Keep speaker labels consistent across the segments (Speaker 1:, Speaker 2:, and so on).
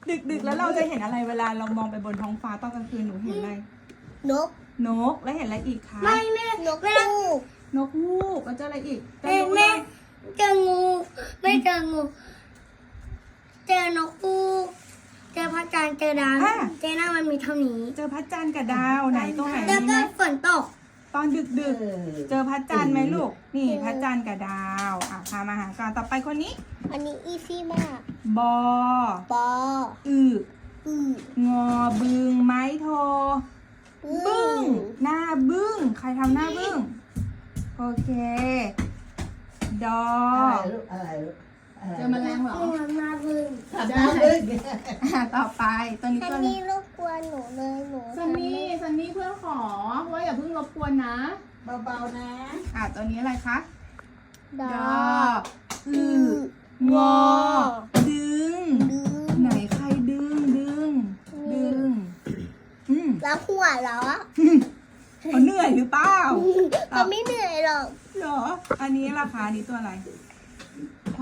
Speaker 1: ดึกแล้วเราจะเห็นอะไรเวลาเรามองไปบนท้องฟ้าตอนกลางคืนหนูเห็นอะไร
Speaker 2: นก
Speaker 1: แล้วเห็นอะไรอีกคะ
Speaker 2: ไม่แม่นกฮูก
Speaker 1: นกฮูกแล้วเจออะไรอีก
Speaker 2: แม่เจองูไม่เจองูเจอนกฮูกเจอพระจันทร์เจอดาวเจอหน้ามันมีเท่านี้
Speaker 1: เจอพระจันทร์กับดาวไหนตรงไหน
Speaker 2: แล้วก็ฝนตก
Speaker 1: ตอนดึกเจอพระจันทร์ไหมลูกนี่พระจันทร์กับดาวพามาหากันต่อไปคนนี้
Speaker 2: อันนี้อีซี่มาก
Speaker 1: บองอบึงไม้โทบึ้งหน้าบึ้งใครทำหน้าบึ้งโอเคดอ
Speaker 3: อะไรลูก
Speaker 1: เจอแมลงเหรอ
Speaker 2: หน้าบึ้ง
Speaker 1: ต่อไปตัวนี้
Speaker 2: ซันนี่รบกวนหนูเลยหนู
Speaker 1: ซันนี่เพื่อนขอว่าอย่าเพิ่งรบกวนนะ
Speaker 3: เบาๆนะ
Speaker 1: ตัวนี้อะไรคะ
Speaker 2: ด
Speaker 1: องอดึงไหนใครดึง
Speaker 2: แล้วหัวเหรอ
Speaker 1: เขาเหนื่อยหรือเปล่า
Speaker 2: เขาไม่เหนื่อยหรอก
Speaker 1: เหรออันนี้ราคานี้ตัวอะไรผ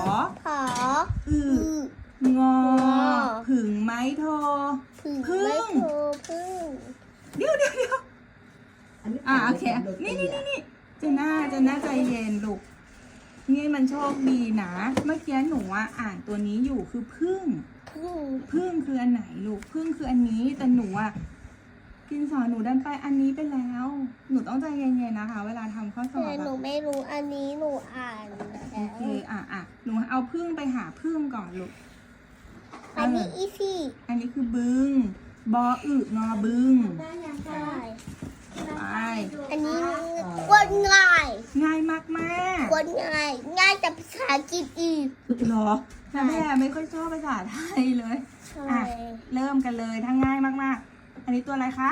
Speaker 1: องอผึ่งไม้โทพึ่งเดี๋ยวโอเคนี่เจน่าใจเย็นลูกนี่มันโชคดีนะเมื่อกี้หนูอ่านตัวนี้อยู่คือพึ่งคืออันไหนลูกพึ่งคืออันนี้แต่หนูกินสอนหนูดันไปอันนี้ไปแล้วหนูต้องใจเย็นๆนะคะเวลาทำข้อสอบ
Speaker 2: หนูไม่รู้อันนี้หนูอ่าน
Speaker 1: โอเคหนูเอาพึ่งไปหาพึ่งก่อนลูก
Speaker 2: อันนี้อีซี่
Speaker 1: อันนี้คือบึงบออึงอบึง
Speaker 2: ใช่อันนี้กวนง่าย
Speaker 1: มาก
Speaker 2: กวนง่ายแต่ภาษาอังกฤษอีก
Speaker 1: หรอแม่ไม่ค่อยชอบภาษาไทยเลยเริ่มกันเลยทั้งง่ายมากๆอันนี้ตัวอะไรคะ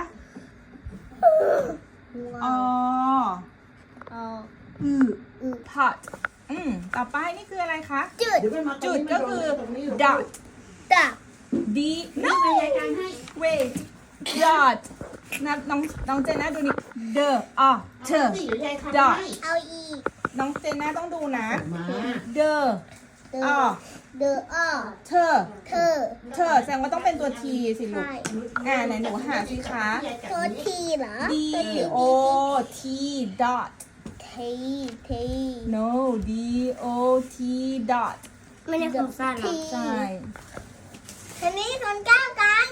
Speaker 1: pot ต่อไปนี่คืออะไรคะจุดก็คือ dot d no wait dot นับน้องเจน่าดูนี่ the dot
Speaker 2: เอาอีก
Speaker 1: น้องเจน่าต้องดูนะ theเธอแสดงว่าต้องเป็นตัว T สิลูกไหนหนูหาสิคะ
Speaker 2: ตัว T เหรอ
Speaker 1: D O T dot
Speaker 2: T
Speaker 1: no D O T dot
Speaker 2: ไม่ใช่ของสั้นหรอ
Speaker 1: ใช่
Speaker 2: ทีนี้ทนแก้วกัน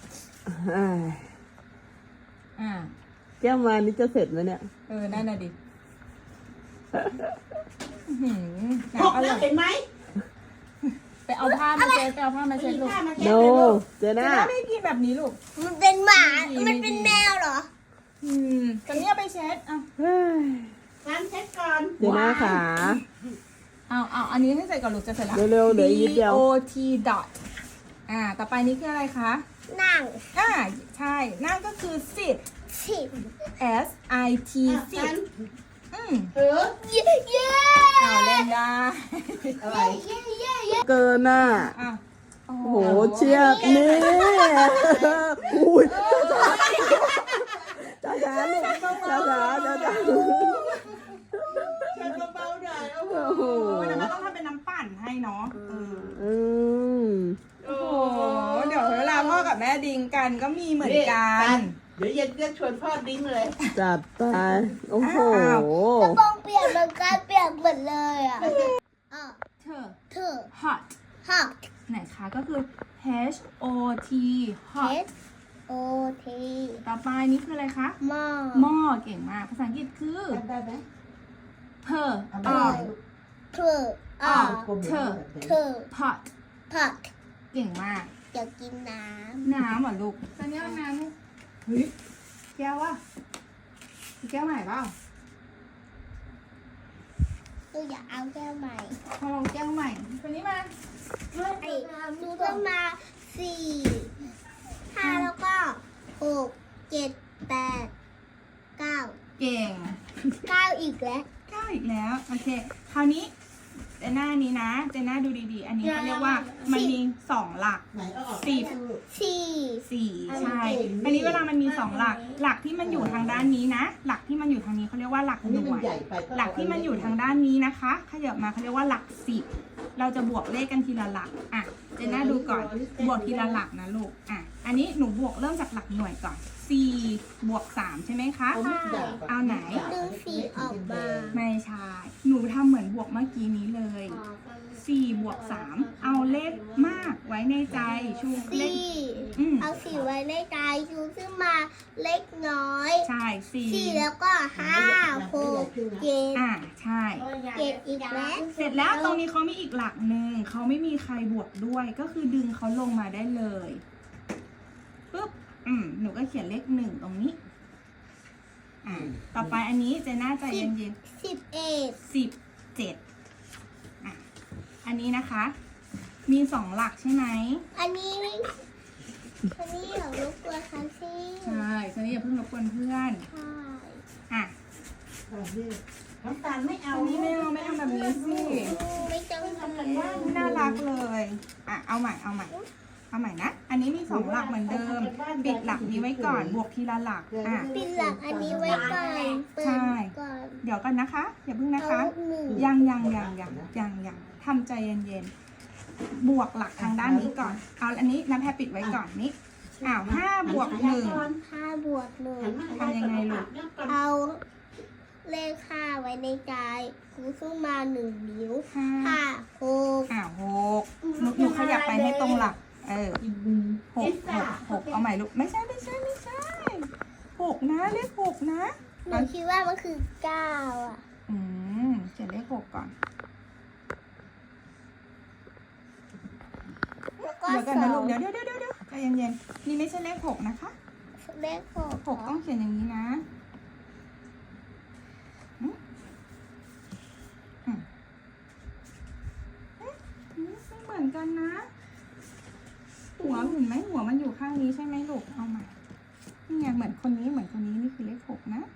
Speaker 3: แก้วมานี่จะเสร็จไหมเนี่ย
Speaker 1: นั่นน่ะดิ
Speaker 3: พกแล้วเห็นไหม
Speaker 1: ไปเอาผ้ามาเช็ดลูก
Speaker 3: โนเจน่า
Speaker 1: ไม่กินแบบนี้ลูก
Speaker 2: มันเป็นหมามันเป็นแมวเหรอ
Speaker 1: ตอนนี้เอาไปเช็ด
Speaker 3: งั้นเช็ดก่อน
Speaker 1: เจน่าขาเอาอันนี้ให้ใส่ก่อนลูกจะเสร็จแล้ว
Speaker 3: เร็วๆเหลืออีกนิดเดียว
Speaker 1: D O T dot ต่อไปนี้คืออะไรคะ
Speaker 2: นั่ง
Speaker 1: ใช่นั่งก็คือ sit S I T sit
Speaker 2: เย้
Speaker 1: เล่นได้
Speaker 3: อะไรเกินโอ้โหเชียบนี่อุ้ยจ้าลูกจ้า
Speaker 1: เชิญเบาๆหน่อยโอ้โหแล้วต้องทำเป็นน้ำปั่นให้เนาะโอ้โหเดี๋ยวเวลาพ่อกับแม่ดิ้งกันก็มีเหมือนกัน
Speaker 3: เดี๋ยวเย็นก็ชวนพ่อดิ้งเลยจัดไปโอ้โห
Speaker 2: กระโปรงเปียกเหมือนกันเปียกหมดเลย
Speaker 1: เธอ hot ไหนคะก็คือ H O T hot ต่อไปนี่คืออะไรคะหม้อเก่งมากภาษาอังกฤษคือ
Speaker 3: ได้ไหม
Speaker 1: เธอ pot เก่งมาก
Speaker 2: อยากกินน้
Speaker 1: ำเหรอลูกตอนนี้น้ำเฮ้ยแก้วแก้วใหม่เปล่า
Speaker 2: อยากเอาแก้วใหม่
Speaker 1: ลองแก้วใหม่ตัวนี้มา
Speaker 2: ดูต้องมา4 5แล้วก็6 7 8 9
Speaker 1: เก่ง
Speaker 2: 9อีกแล้ว
Speaker 1: โอเคคราวนี้เจน่านี้นะเจน่าดูดีๆอันนี้เขาเรียกว่ามันมี2หลัก4ใช่อันนี้เวลามันมี2หลักที่มันอยู่ทางด้านนี้นะหลักที่มันอยู่ทางนี้เขาเรียกว่าหลักหน่วยหลักที่มันอยู่ทางด้านนี้นะคะขยับมาเขาเรียกว่าหลัก10 เราจะบวกเลขกันทีละหลักอ่ะเจน่าดูก่อนบวกทีละหลักนะลูกอ่ะอันนี้หนูบวกเริ่มจากหลักหน่วยก่อน4 บวก 3ใช่ไหมคะเอาไหน
Speaker 2: ดึงสี่ออกมา
Speaker 1: ไม่ใช่หนูทำเหมือนบวกเมื่อกี้นี้เลย4 บวก 3เอาเลขมากไว้ในใจชูเลข
Speaker 2: สี่
Speaker 1: ม
Speaker 2: เอาสี่ไว้ในใจชูขึ้นมาเล็กน้อย
Speaker 1: ใช่
Speaker 2: สี่
Speaker 1: 4
Speaker 2: แล้วก็ห้าหกเจ็ด
Speaker 1: ใช่
Speaker 2: เจ็ดอีกแล้ว
Speaker 1: เสร็จแล้วตรงนี้เขามีอีกหลักหนึ่งเขาไม่มีใครบวกด้วยก็คือดึงเขาลงมาได้เลยปุ๊บหนูก็เขียนเลข1ตรงนี้ต่อไปอันนี้เจน่าใจเย็นๆ 17อันนี้นะคะ มี2หลักใช่ไหม
Speaker 2: อันนี้อย่ารบกวนคันซี่
Speaker 1: ใช่ฉะนั้นอย่าเพิ่งรบกวนเพื่อน
Speaker 2: ใช่
Speaker 1: อ่ะ
Speaker 4: น้ำตาลไม่เอา
Speaker 1: อันนี้ไม่ทำแบบนี้สิ
Speaker 2: ไม่ต้องทำ
Speaker 1: ไม่น่ารักเลยเอาใหม่นะอันนี้มี2หลักเหมือนเดิมปิดหลักนี้ไว้ก่อนบวกทีละหลัก
Speaker 2: ปิดหลักอันนี้ไว้ก่อนเปิดก่อน
Speaker 1: เดี๋ยวกันนะคะอย่าเพิ่งนะคะ
Speaker 2: เอาหนึ่ง
Speaker 1: ยังทำใจเย็นๆบวกหลักทางด้านนี้ก่อนเอาอันนี้น้ำแพรปิดไว้ก่อนนี้5 บวก 1
Speaker 2: 5 บวก 1
Speaker 1: ทำยังไงลูก
Speaker 2: เอาเลข5ไว้ในใจคูขึ้นมา1 นิ้ว 5 6
Speaker 1: 6หนูขยับไปให้ตรงหลัก6เอาใหม่ลูกไม่ใช่6นะเลข6นะ
Speaker 2: หนูคิดว่ามันคือ9อ่ะ
Speaker 1: เขียนเลข6ก่อน
Speaker 2: แล้วก็
Speaker 1: เดี๋ยวกันนะลูก
Speaker 2: 2
Speaker 1: เดี๋ยวใจเย็นๆนี่ไม่ใช่เลข6นะคะ
Speaker 2: เลข6
Speaker 1: 6ต้องเขียนอย่างนี้นะไม่เหมือนกันนะหัวเห็นไหมหัวมันอยู่ข้างนี้ใช่ไหมลูกเอาใหม่นี่ไงเหมือนคนนี้นี่คือเลข6นะ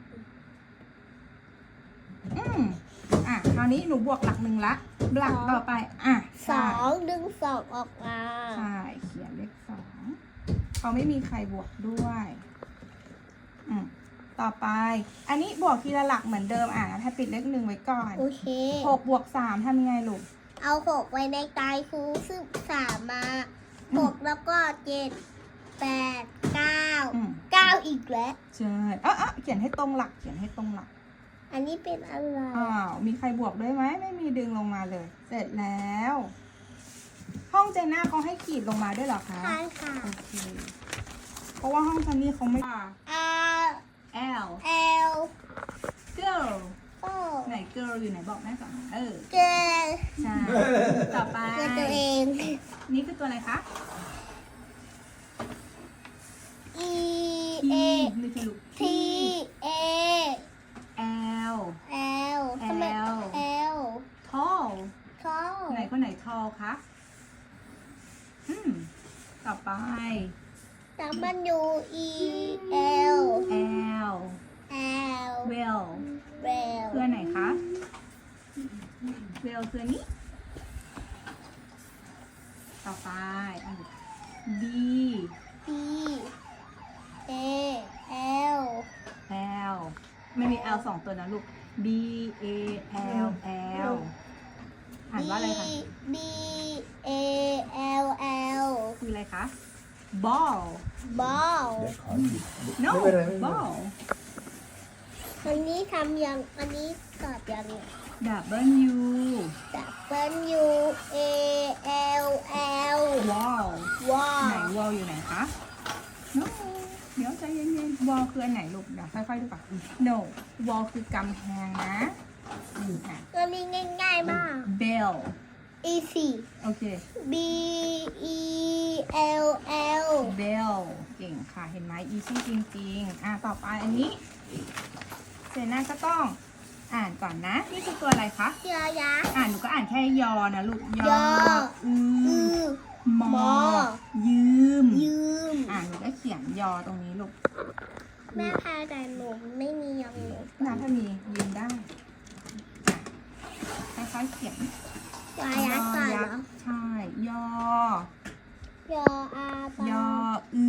Speaker 1: คราวนี้หนูบวกหลัก1ละหลักต่อไป
Speaker 2: 2 ดึง 2 ออกมา
Speaker 1: ใช่เขียนเลข2เขาไม่มีใครบวกด้วยต่อไปอันนี้บวกทีละหลักเหมือนเดิมถ้าปิดเลข1ไว้ก่อน
Speaker 2: โอเค
Speaker 1: 6 บวก 3ทำยังไงลูก
Speaker 2: เอา6ไว้ในใจคูซึ่ง3มา6แล้วก็7 8 9 อีกแล้ว
Speaker 1: ใช่เขียนให้ตรงหลัก
Speaker 2: อันนี้เป็นอะไร
Speaker 1: มีใครบวกด้วยไหมไม่มีดึงลงมาเลย เสร็จแล้ว ห้องเจน่าเขาให้ขีดลงมาด้วยเหรอคะ
Speaker 2: ใช่ค่ะ
Speaker 1: โอเคเพราะว่าห้องซันนี่เขาไม่
Speaker 2: R
Speaker 1: L
Speaker 2: L
Speaker 1: girl
Speaker 2: โอ้
Speaker 1: ไหน girl อยู่ไหนบอกแม่ก่อน
Speaker 2: เกล
Speaker 1: ใช่ต่อไป
Speaker 2: เกลตัวเอง
Speaker 1: นี่คือตัวอะไรคะ
Speaker 2: E A
Speaker 1: นี่คือลูก
Speaker 2: T A
Speaker 1: L
Speaker 2: L ทำไม L
Speaker 1: tall
Speaker 2: ท้อ
Speaker 1: ไหนคนไหน tall คะต่อไป
Speaker 2: แต่มันอยู่ E L
Speaker 1: L
Speaker 2: L
Speaker 1: well
Speaker 2: L
Speaker 1: คืออันไหนคะ well คืออันนี้ ต่อไปB
Speaker 2: B A L
Speaker 1: L ไม่มี L 2 ตัวนะลูก B A L L อ่านว่าอะไรคะ
Speaker 2: B A L L
Speaker 1: คืออะไรคะ ball
Speaker 2: ball
Speaker 1: no ball
Speaker 2: อันนี้ทำยังอันนี้ตอบยัง
Speaker 1: W
Speaker 2: W A L L
Speaker 1: wall
Speaker 2: ว้า
Speaker 1: ไหน
Speaker 2: ว
Speaker 1: wall อยู่ไหนคะ no เดี๋ยวใจเย็นๆ wall คืออันไหนลูกเดี๋ยวค่อยๆดูก่อน no wall คือกำแพงนะ
Speaker 2: อันนี้ง่ายๆมาก
Speaker 1: bell
Speaker 2: easy
Speaker 1: โอเค
Speaker 2: B E L L
Speaker 1: bell เก่งค่ะ เห็นไหม easy จริงๆต่อไปอันนี้เจน่าก็ต้องอ่านก่อนนะ นี่คือตัวอะไรคะ
Speaker 2: ยอยักษ์
Speaker 1: หนูก็อ่านแค่ยอนะลูก
Speaker 2: ยอ
Speaker 1: อื
Speaker 2: อื
Speaker 1: อ
Speaker 2: อ
Speaker 1: ม
Speaker 2: ม
Speaker 1: อ
Speaker 2: อ
Speaker 1: ยืม
Speaker 2: ยืม
Speaker 1: หนูก็เขียนยอตรงนี้ลูก
Speaker 2: แม่พาแต่หนูไม่มียองหนู
Speaker 1: น้ำถ้ามียืมได้ค่อยๆเขียน
Speaker 2: ยอยักษ์ก่อนเหรอ
Speaker 1: ใช่ ยอ
Speaker 2: ยออาปาย
Speaker 1: อ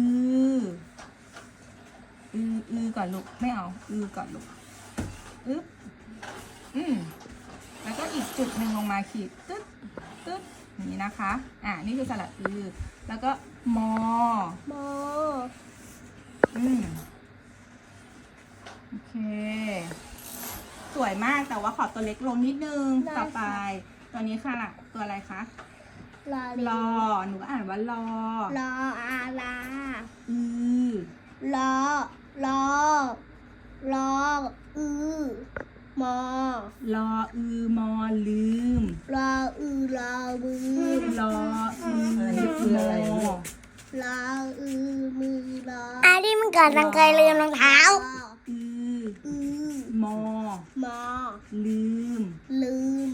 Speaker 1: อือก่อนลูก ไม่เอา ก่อนลูก อึ๊บแล้วก็อีกจุดหนึ่งลงมาขีดตึ๊ดตึ๊ดอย่างนี้นะคะนี่คือสระอือแล้วก็มอ
Speaker 2: มอ
Speaker 1: โอเค สวยมากแต่ว่าขอตัวเล็กลงนิดนึงต่อไปตัวนี้ค่ะล่ะตัวอะไรคะ
Speaker 2: ลอ
Speaker 1: รอหนูก็อ่านว่ารอ
Speaker 2: รออาลา
Speaker 1: อือ
Speaker 2: รอรอรออือมอ
Speaker 1: รออือมอลืม
Speaker 2: รออือรอมือ
Speaker 1: รออือมอ
Speaker 2: รออือมือรออันนี้มันเกิดทางเคยลืมรองเท้า
Speaker 1: อือ
Speaker 2: อือ
Speaker 1: มอ
Speaker 2: มอ
Speaker 1: ลืม
Speaker 2: ลืม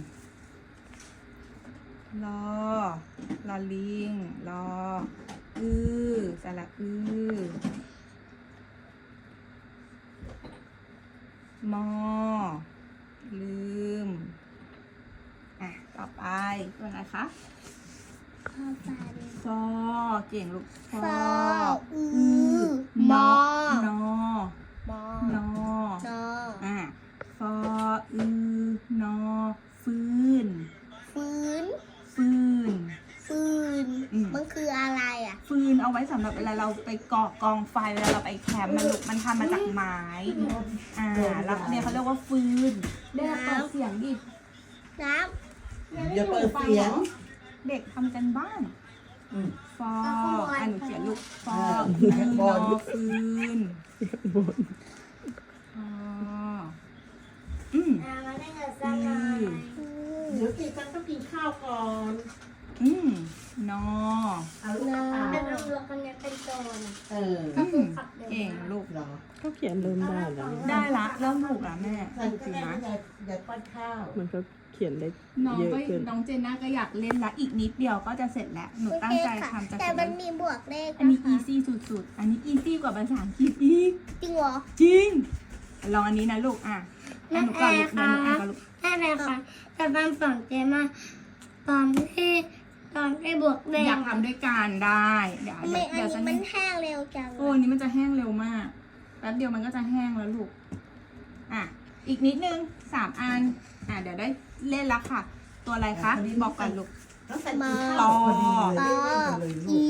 Speaker 1: รอรอลิงรอสระมอลืมต่อไปตัวไหนคะฟอเก่งลูกฟอ
Speaker 2: อือมอ
Speaker 1: นอ
Speaker 2: มอน
Speaker 1: อ
Speaker 2: นอ
Speaker 1: ฟอนอฟื้น
Speaker 2: ฟื้น
Speaker 1: ฟื้น
Speaker 2: ฟืน มันคืออะไรอ่ะ
Speaker 1: ฟืนเอาไว้สำหรับเวลาเราไปก่อกองไฟเวลาเราไปแคมป์มันทำมาจากไม้แล้วเนี่ยเขาเรียกว่าฟืนเด็กเปิดเสียงดิ
Speaker 2: น้
Speaker 4: อย่าเปิดเสียง
Speaker 1: เด็กทำกันบ้านฟอหนูเขียนลูกฟอ
Speaker 4: ข้างบน
Speaker 1: นอฟืนฟอ
Speaker 2: ำมาได้เงินสักหน่อย
Speaker 4: เดี๋ยวกินกันต้องกินข้าวก่อน
Speaker 1: นอ
Speaker 4: เอาลูกกระต่าย
Speaker 2: เป็นตำรวจคนนี้เป็นโจร
Speaker 4: ก็คือ
Speaker 1: เก่งลูก
Speaker 4: เหรอ
Speaker 3: ก็เขียนเริ่มได้แล้ว
Speaker 1: ได้ละเริ่มถูกละแม่
Speaker 4: ใส่
Speaker 1: จริง
Speaker 4: แม่
Speaker 1: นะ
Speaker 4: อย่าป้อนข้าว
Speaker 3: มันก็เขียนได้
Speaker 1: น้อง
Speaker 3: เยอะ
Speaker 1: ก็
Speaker 3: ขึ้น
Speaker 1: น้องเจนน่าก็อยากเล่นละอีกนิดเดียวก็จะเสร็จแล้วหนูตั้งใจทำจะ
Speaker 2: แต่
Speaker 1: เสร็จ
Speaker 2: มั
Speaker 1: แล้
Speaker 2: น
Speaker 1: ว
Speaker 2: มีบวกเลข
Speaker 1: อันนี้
Speaker 2: นะคะ
Speaker 1: easy สุดๆ อันนี้ easy กว่าภาษาอังกฤษอีก
Speaker 2: จริงเหรอ
Speaker 1: จริง ลองอันนี้นะลูกหนูก่อนลูกเดี๋ยวหนูอ่านก่อนลูก
Speaker 2: ได้เลยค่ะแต่บางฝั่งเจมาตอนที่บวกเลข
Speaker 1: อยากทำด้วยกันได้เดี๋ยว
Speaker 2: ทำไมอัน
Speaker 1: เดี๋ยวจะ
Speaker 2: นี้มันแห้งเร็วจัง
Speaker 1: โอ้อันนี้มันจะแห้งเร็วมากแป๊บเดียวมันก็จะแห้งแล้วลูกอีกนิดนึง3 อันเดี๋ยวได้เล่นละค่ะ ตัวอะไรคะบอกก่อนลูก
Speaker 4: ต้องใส่กินข้าวพอดีเลยเล่นกันเลยลูก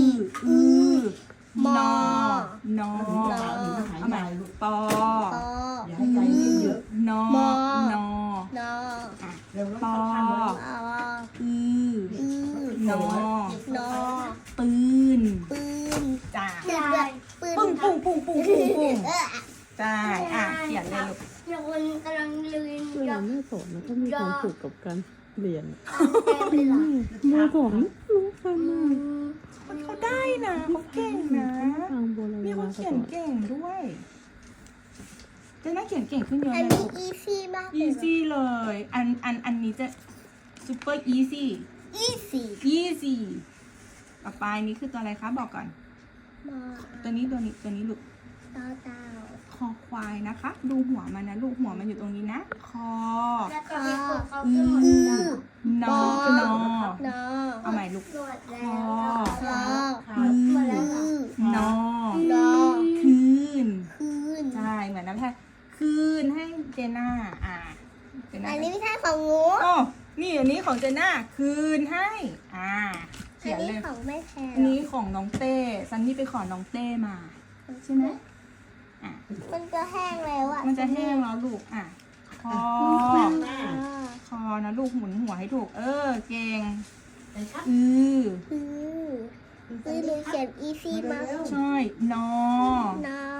Speaker 1: นอ นอ
Speaker 4: เอาใหม่ลูก
Speaker 1: ปอ
Speaker 2: ปอ
Speaker 4: อย่าให้ใจเยอะ
Speaker 1: นอ นอ
Speaker 2: นอ
Speaker 4: เร็วแล้วข้าวเลย
Speaker 2: ปอ
Speaker 1: อือ
Speaker 2: อือน
Speaker 1: อ
Speaker 2: นอ
Speaker 1: ปืน
Speaker 2: ปืน
Speaker 1: จ้า
Speaker 2: ปืน
Speaker 1: ปุ้งปุ้งปุ้งปุ้งปุ้งปุ้งจ้าเขียนเลยลูก
Speaker 2: เดี๋ยวคนกำลังลืม
Speaker 3: เวลาแม่สอนมันก็มีความสุขกับการเรียน
Speaker 2: เต็มเลยเหรอ
Speaker 3: แม่สอนรู้กันมาก
Speaker 1: เขาได้นะเขาเก่งนะ
Speaker 3: ทางโบราณ
Speaker 1: มีคนเขียนเก่งด้วยเจะน่าเขียนเก่งขึ้นเยอะ
Speaker 2: อัน
Speaker 1: เลย
Speaker 2: นี้
Speaker 1: ลูก
Speaker 2: อีซี่มากเลย
Speaker 1: easy เลย อันนี้จะ super easy
Speaker 2: อีซี่
Speaker 1: easy ต่อไปนี้คือตัวอะไรคะบอกก่อน
Speaker 2: มอ
Speaker 1: ตัวนี้ลูก
Speaker 2: เต้าเต้า
Speaker 1: คอควายนะคะ ดูหัวมันนะลูกหัวมันอยู่ตรงนี้นะ คอ
Speaker 2: แล้วก็มีคนเขา
Speaker 1: อื
Speaker 2: ขึ้นหมด
Speaker 1: อนอ นอ
Speaker 2: นอ
Speaker 1: เอาใหม่ลูก
Speaker 2: หมด
Speaker 1: ค
Speaker 2: แล้ว
Speaker 1: อ
Speaker 2: หมดแล้วเหรอน
Speaker 1: อ
Speaker 2: นอ
Speaker 1: คืน
Speaker 2: คืน
Speaker 1: ใช่เหมือนน้ำแท้คืนให้เจน่าเจน่า
Speaker 2: อันนี้ไม่ใช่ของงู
Speaker 1: โอ้นี่อันนี้ของเจน่าคืนให้เขี
Speaker 2: อั
Speaker 1: ย
Speaker 2: น
Speaker 1: น
Speaker 2: นี้
Speaker 1: เลย
Speaker 2: ของแม่แทน
Speaker 1: อันนี้ของน้องเต้ซันนี่ไปขอน้องเต้มาใช่ไหม
Speaker 2: มันจะแห้งแล้วอ่ะ
Speaker 1: มันจะแห้งแล้วลูกคอ
Speaker 4: แม่
Speaker 1: คอนะลูกหมุนหัวให้ถูกเก่ง
Speaker 4: ใส่ครับ
Speaker 1: อือ
Speaker 2: คือหนูเขียนอีซี่มาก
Speaker 1: ใช่นอ
Speaker 2: นอ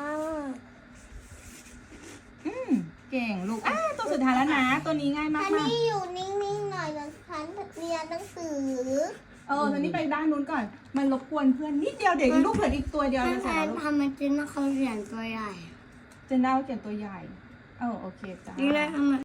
Speaker 1: เก่งลูกตัวสุดท้ายแล้วนะ ตัวนี้ง่ายมา
Speaker 2: อั
Speaker 1: ก
Speaker 2: น
Speaker 1: มาก
Speaker 2: นี้อยู่นิ่งๆหน่อยนะฉันเรียนหนังสือ
Speaker 1: ตอนนี้ไปด้านนู้นก่อน มันรบกวนเพื่อนนิดเดียวเด็กลูกเผื่ออีกตัวเดียว
Speaker 2: แม่
Speaker 1: จะ
Speaker 2: แท
Speaker 1: เสร็จแล้
Speaker 2: น
Speaker 1: วลูก
Speaker 2: ทำมันจริงนะเขาเขียนตัวใหญ่
Speaker 1: เจนดาวเขียนตัวใหญ่โอเคจ้า
Speaker 2: นี่ได้ทำไม